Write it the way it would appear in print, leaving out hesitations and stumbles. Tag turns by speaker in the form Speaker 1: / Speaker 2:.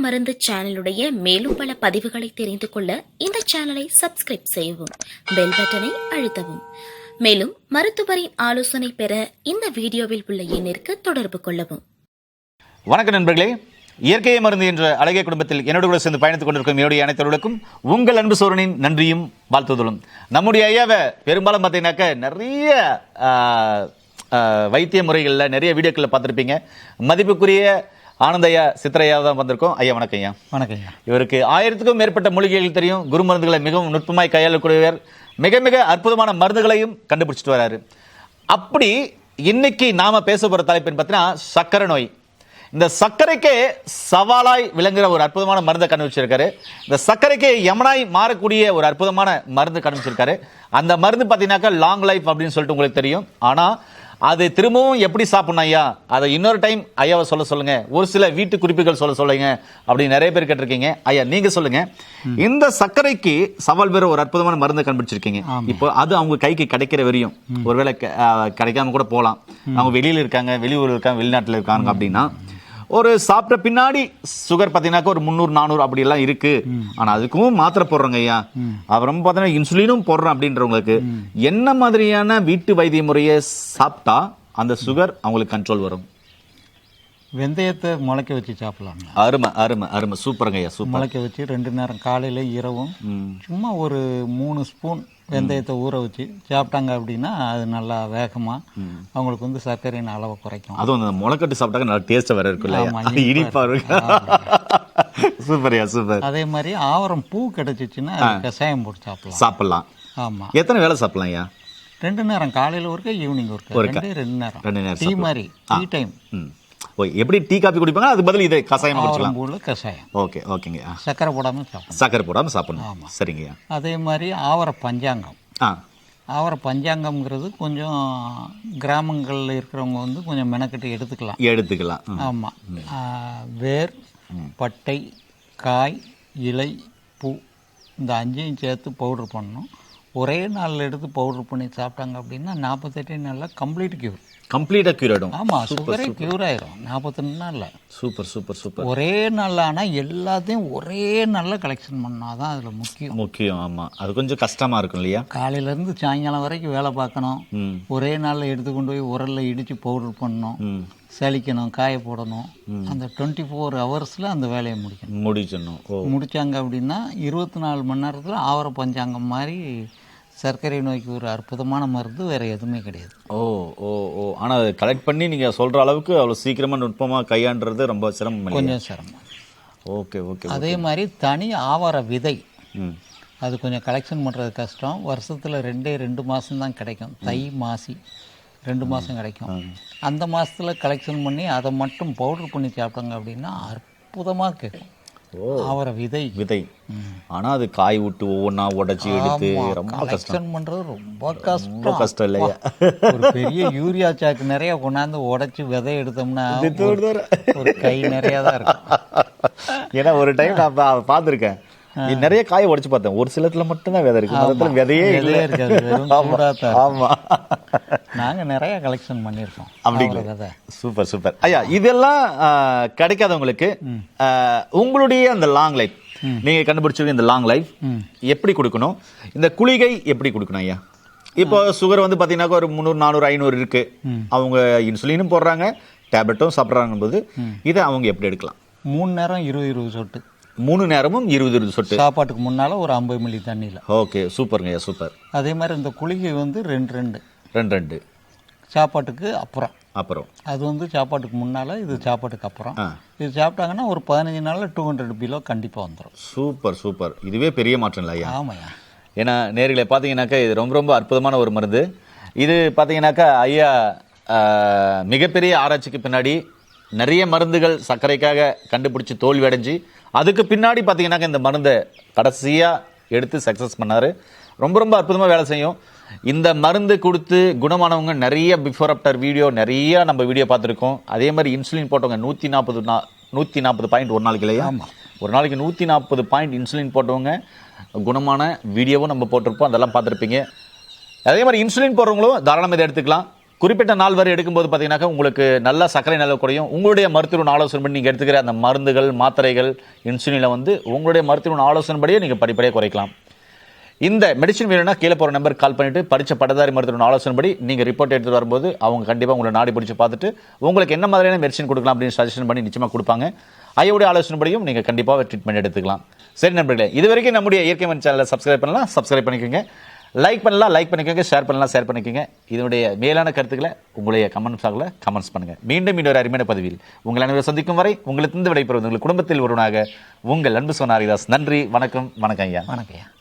Speaker 1: மருந்து சேனலுடைய மேலும் பல பதிவுகளை தெரிந்து கொள்ள இந்த சேனலை சப்ஸ்கிரைப் செய்யவும், பெல் பட்டனை அழுத்தவும். மேலும் மருத்துவரின் ஆலோசனை பெற இந்த வீடியோவில் உள்ள எண்ணிற்கு தொடர்பு கொள்ளவும்.
Speaker 2: வணக்கம் நண்பர்களே, இயற்கையை மருந்து என்ற அழகிய குடும்பத்தில் என்னோடு கூட சேர்ந்து பயணித்துக் கொண்டிருக்கும் என்னுடைய அனைத்தவர்களுக்கும் உங்கள் அன்பு சோழனின் நன்றியும் வாழ்த்துதலும். நம்முடைய ஐயாவை பெரும்பாலும் பார்த்தீங்கன்னாக்க நிறைய வைத்திய முறைகளில் நிறைய வீடியோக்களில் பார்த்துருப்பீங்க. மதிப்புக்குரிய ஆனந்தையா சித்திரையா தான் வந்திருக்கோம். ஐயா வணக்கம். ஐயா
Speaker 3: வணக்கம்.
Speaker 2: இவருக்கு 1000க்கும் மேற்பட்ட மூலிகைகள் தெரியும். குரு மருந்துகளை மிகவும் நுட்பமாய் கையாளக்கூடியவர். மிக மிக அற்புதமான மருந்துகளையும் கண்டுபிடிச்சிட்டு வராரு. அப்படி இன்னைக்கு நாம பேச போற தலைப்புன்னு பார்த்தீங்கன்னா சக்கரை நோய். இந்த சர்க்கரைக்கே சவாலாய் விளங்குற ஒரு அற்புதமான மருந்தை கண்டுபிடிச்சிருக்காரு. இந்த சர்க்கரைக்கே யமனாய் மாறக்கூடிய ஒரு அற்புதமான மருந்து கண்டுபிடிச்சிருக்காரு. அந்த மருந்து பார்த்தீங்கன்னாக்கா லாங் லைஃப் அப்படின்னு சொல்லிட்டு உங்களுக்கு தெரியும். ஆனா அது திரும்பவும் எப்படி சாப்பிடணும் ஐயா, அதை இன்னொரு டைம் ஐயாவை சொல்லுங்க, ஒரு சில வீட்டு குறிப்புகள் சொல்லுங்க அப்படின்னு நிறைய பேர் கேட்டிருக்கீங்க. ஐயா நீங்க சொல்லுங்க, இந்த சர்க்கரைக்கு சவால் பெற ஒரு அற்புதமான மருந்து கண்டுபிடிச்சிருக்கீங்க. இப்போ அது அவங்க கைக்கு கிடைக்கிற வரையும் ஒருவேளை கிடைக்காம கூட போகலாம். அவங்க வெளியில இருக்காங்க, வெளியூர்ல இருக்காங்க, வெளிநாட்டுல இருக்காங்க அப்படின்னா ஒரு சாப்பிட்ட பின்னாடி சுகர் பார்த்தீங்கன்னாக்கா ஒரு 300-400 அப்படி எல்லாம் இருக்கு. ஆனா அதுக்கும் மாத்திரை போடுறோங்க ஐயா, அப்புறம் பார்த்தீங்கன்னா இன்சுலினும் போடுறோம் அப்படின்றவங்களுக்கு என்ன மாதிரியான வீட்டு வைத்திய முறையை சாப்பிட்டா அந்த சுகர் அவங்களுக்கு கண்ட்ரோல் வரும்?
Speaker 3: வெந்தயத்தை முளைக்க வச்சு சாப்பிடலாம்.
Speaker 2: அருமை அருமை அருமை, சூப்பருங்க ஐயா, சூப்பர்.
Speaker 3: முளைக்க வச்சு 2 நேரம் காலையில இரவும் சும்மா ஒரு 3 ஸ்பூன் வெந்தயத்தை ஊற வச்சு சாப்பிட்டாங்க அப்படின்னா அது நல்லா வேகமா அவங்களுக்கு வந்து சர்க்கரையின் அளவை குறைக்கும்.
Speaker 2: அதுவும் அந்த முளைக்கட்டு சாப்பிட்டாங்க நல்லா டேஸ்ட் வேற இருக்குல்ல, இனிப்பா இருக்கு. சூப்பர்யா சூப்பர்.
Speaker 3: அதே மாதிரி ஆவரம் பூ கிடைச்சிச்சுன்னா கஷாயம் போட்டு
Speaker 2: சாப்பிடலாம்.
Speaker 3: ஆமா.
Speaker 2: எத்தனை வேலை சாப்பிடலாம் ஐயா?
Speaker 3: 2 நேரம், காலையில ஒருக்க ஈவினிங் ஒருக்க, 2 நேரம். டீ மாதிரி, டீ டைம்.
Speaker 2: எப்படி டீ காபி குடிப்பாங்க, அது பதில் இதை கஷாயம் குடிக்கலாம்.
Speaker 3: கஷாயம்.
Speaker 2: ஓகே ஓகேங்க.
Speaker 3: சக்கரை போடாம சாப்பிடணும்.
Speaker 2: சக்கரை போடாம சாப்பிடணும். சரிங்க.
Speaker 3: அதே மாதிரி ஆவர பஞ்சாங்கம். ஆவர பஞ்சாங்கம்ங்கிறது கொஞ்சம் கிராமங்களில் இருக்கிறவங்க வந்து கொஞ்சம் மெனக்கட்டு எடுத்துக்கலாம். ஆமா. வேர், பட்டை, காய், இலை, பூ இந்த 5ஐயும் சேர்த்து பவுடர் பண்ணணும். ஒரே நாளில் எடுத்து பவுடர் பண்ணி சாப்பிட்டாங்க அப்படின்னா 48 நாளில் கம்ப்ளீட்டாக கியூர் ஆகிடும். ஆமாம், சுகரே கியூர் ஆயிடும் 48 நாளில்.
Speaker 2: சூப்பர்.
Speaker 3: ஒரே நாளில். ஆனால் எல்லாத்தையும் ஒரே நாளில் கலெக்ஷன் பண்ணாதான் அதில் முக்கியம்.
Speaker 2: ஆமாம், அது கொஞ்சம் கஷ்டமாக இருக்கும் இல்லையா? காலையிலேருந்து
Speaker 3: சாயங்காலம் வரைக்கும் வேலை பார்க்கணும். ஒரே நாளில் எடுத்து கொண்டு போய் உரலில் இடித்து பவுடர் பண்ணணும், சலிக்கணும், காய போடணும். அந்த 24 ஹவர்ஸில் அந்த வேலையை முடிச்சாங்க அப்படின்னா 24 மணி நேரத்தில் ஆவர பஞ்சாங்கம் மாதிரி சர்க்கரை நோய்க்கு ஒரு அற்புதமான மருந்து வேற எதுவுமே கிடையாது.
Speaker 2: ஆனால் அதை கலெக்ட் பண்ணி நீங்கள் சொல்கிற அளவுக்கு அவ்வளோ சீக்கிரமாக நுட்பமாக கையாண்டுறது ரொம்ப சிரமம்.
Speaker 3: கொஞ்சம் சிரமம்.
Speaker 2: ஓகே.
Speaker 3: அதே மாதிரி தனி ஆவார விதை அது கொஞ்சம் கலெக்ஷன் பண்ணுறது கஷ்டம். வருஷத்தில் 2 மாதம் தான் கிடைக்கும். தை மாசி 2 மாதம் கிடைக்கும். அந்த மாதத்தில் கலெக்ஷன் பண்ணி அதை மட்டும் பவுடர் பண்ணி சாப்பிட்டாங்க அப்படின்னா அற்புதமாக கேட்கும். அவரை விதை.
Speaker 2: ஆனா அது காய் விட்டு ஒவ்வொன்றா உடைச்சி எடுத்து ரொம்ப
Speaker 3: கஷ்டம் பண்றது. ரொம்ப கஷ்டம்
Speaker 2: இல்லையா?
Speaker 3: ஒரு பெரிய யூரியா சாக்கு நிறைய கொண்டாந்து உடைச்சு விதை எடுத்தோம்னா ஒரு கை நிறைய தான் இருக்கும்.
Speaker 2: ஏன்னா ஒரு டைம் நான் பார்த்துருக்கேன், நிறைய காய உடைச்சு பார்த்தேன். ஒரு சிலத்துல மட்டும்தான் விதை இருக்கு, விதையே
Speaker 3: இருக்காது. ஆமா, நாங்க நிறைய கலெக்ஷன் பண்ணிருக்கோம்.
Speaker 2: அப்படிங்களா? சூப்பர் ஐயா. இதெல்லாம் கிடைக்காதவங்களுக்கு உங்களுடைய அந்த லாங் லைஃப் நீங்க கண்டுபிடிச்சிருக்க இந்த லாங் லைஃப் எப்படி கொடுக்கணும், இந்த குளிகை எப்படி கொடுக்கணும் ஐயா? இப்போ சுகர் வந்து பாத்தீங்கன்னா ஒரு 300-400-500 இருக்கு. அவங்க இன்சுலினும் போடுறாங்க, டேப்லெட்டும் சாப்பிட்றாங்க போது இதை அவங்க எப்படி எடுக்கலாம்?
Speaker 3: 3 நேரம் 20 சொட்டு.
Speaker 2: 3 நேரமும் 20 சொட்டு.
Speaker 3: சாப்பாட்டுக்கு முன்னால ஒரு 50 மில்லி தண்ணியில்.
Speaker 2: ஓகே, சூப்பருங்க, சூப்பர்.
Speaker 3: அதே மாதிரி இந்த குளிகை வந்து 2 சாப்பாட்டுக்கு அப்புறம். அது வந்து சாப்பாட்டுக்கு முன்னால, இது சாப்பாட்டுக்கு அப்புறம். இது சாப்பிட்டாங்கன்னா ஒரு 15 நாளில் 200 கிலோ கண்டிப்பாக வந்துடும்.
Speaker 2: சூப்பர். இதுவே பெரிய மாற்றம் இல்லை ஐயா?
Speaker 3: ஆமாய்யா.
Speaker 2: ஏன்னா நேர்களை பார்த்தீங்கன்னாக்கா இது ரொம்ப அற்புதமான ஒரு மருந்து. இது பார்த்தீங்கன்னாக்கா ஐயா மிகப்பெரிய ஆராய்ச்சிக்கு பின்னாடி நிறைய மருந்துகள் சர்க்கரைக்காக கண்டுபிடிச்சி தோல்வி அடைஞ்சு அதுக்கு பின்னாடி பார்த்தீங்கன்னாக்கா இந்த மருந்தை கடைசியாக எடுத்து சக்ஸஸ் பண்ணார். ரொம்ப அற்புதமாக வேலை செய்யும். இந்த மருந்து கொடுத்து குணமானவங்க நிறைய பிஃபோர் ஆஃப்டர் வீடியோ நிறைய நம்ம வீடியோ பார்த்துருக்கோம். அதே மாதிரி இன்சுலின் போட்டவங்க 140 பாயிண்ட் ஒரு நாளைக்கு இல்லையா? ஒரு நாளைக்கு 140 பாயிண்ட் இன்சுலின் போட்டவங்க குணமான வீடியோவும் நம்ம போட்டிருப்போம், அதெல்லாம் பார்த்துருப்பீங்க. அதே மாதிரி இன்சுலின் போடுறவங்களும் தாராளமாக இதை எடுத்துக்கலாம். குறிப்பிட்ட நாள் வரை எடுக்கும்போது பார்த்தீங்கன்னாக்கா உங்களுக்கு நல்ல சர்க்கரை நிலவு குறையும். உங்களுடைய மருத்துவ ஆலோசனை பண்ணி நீங்கள் எடுத்துக்கிற அந்த மருந்துகள் மாத்திரைகள் இன்சுலினை வந்து உங்களுடைய மருத்துவ ஆலோசனைப்படியே நீங்கள் படிப்படியாக குறைக்கலாம். இந்த மெடிசன் வேணும்னா கீழே போகிற நம்பருக்கு கால் பண்ணிட்டு படித்த பட்டதாரி மருத்துவ ஆலோசனைப்படி நீங்கள் ரிப்போர்ட் எடுத்துட்டு வரும்போது அவங்க கண்டிப்பாக உங்களை நாடி பிடிச்சி பார்த்துட்டு உங்களுக்கு என்ன மாதிரியான மெடிசன் கொடுக்கலாம் அப்படின்னு சஜஷன் பண்ணி நிச்சயமாக கொடுப்பாங்க. ஐயோடைய ஆலோசனைப்படியும் நீங்கள் கண்டிப்பாக ட்ரீட்மெண்ட் எடுத்துக்கலாம். சரி நண்பர்களே, இது வரைக்கும் நம்முடைய இயற்கை மண் சேனலை சப்ஸ்கிரைப் பண்ணலாம், சப்ஸ்கிரைப் பண்ணிக்கோங்க. லைக் பண்ணலாம், லைக் பண்ணிக்கோங்க. ஷேர் பண்ணலாம், ஷேர் பண்ணிக்கோங்க. இதனுடைய மேலான கருத்துக்களை உங்களுடைய கமெண்ட் பாக்ஸில் கமெண்ட்ஸ் பண்ணுங்கள். மீண்டும் இன்னொரு அருமையான பதிவில் உங்கள் அனைவரும் சந்திக்கும் வரை உங்களுக்கு விடைபெறுவது உங்கள் குடும்பத்தில் ஒருவனாக உங்கள் அன்பு சோனா ஹரிதாஸ். நன்றி, வணக்கம். வணக்கம் ஐயா.
Speaker 3: வணக்கம் ஐயா.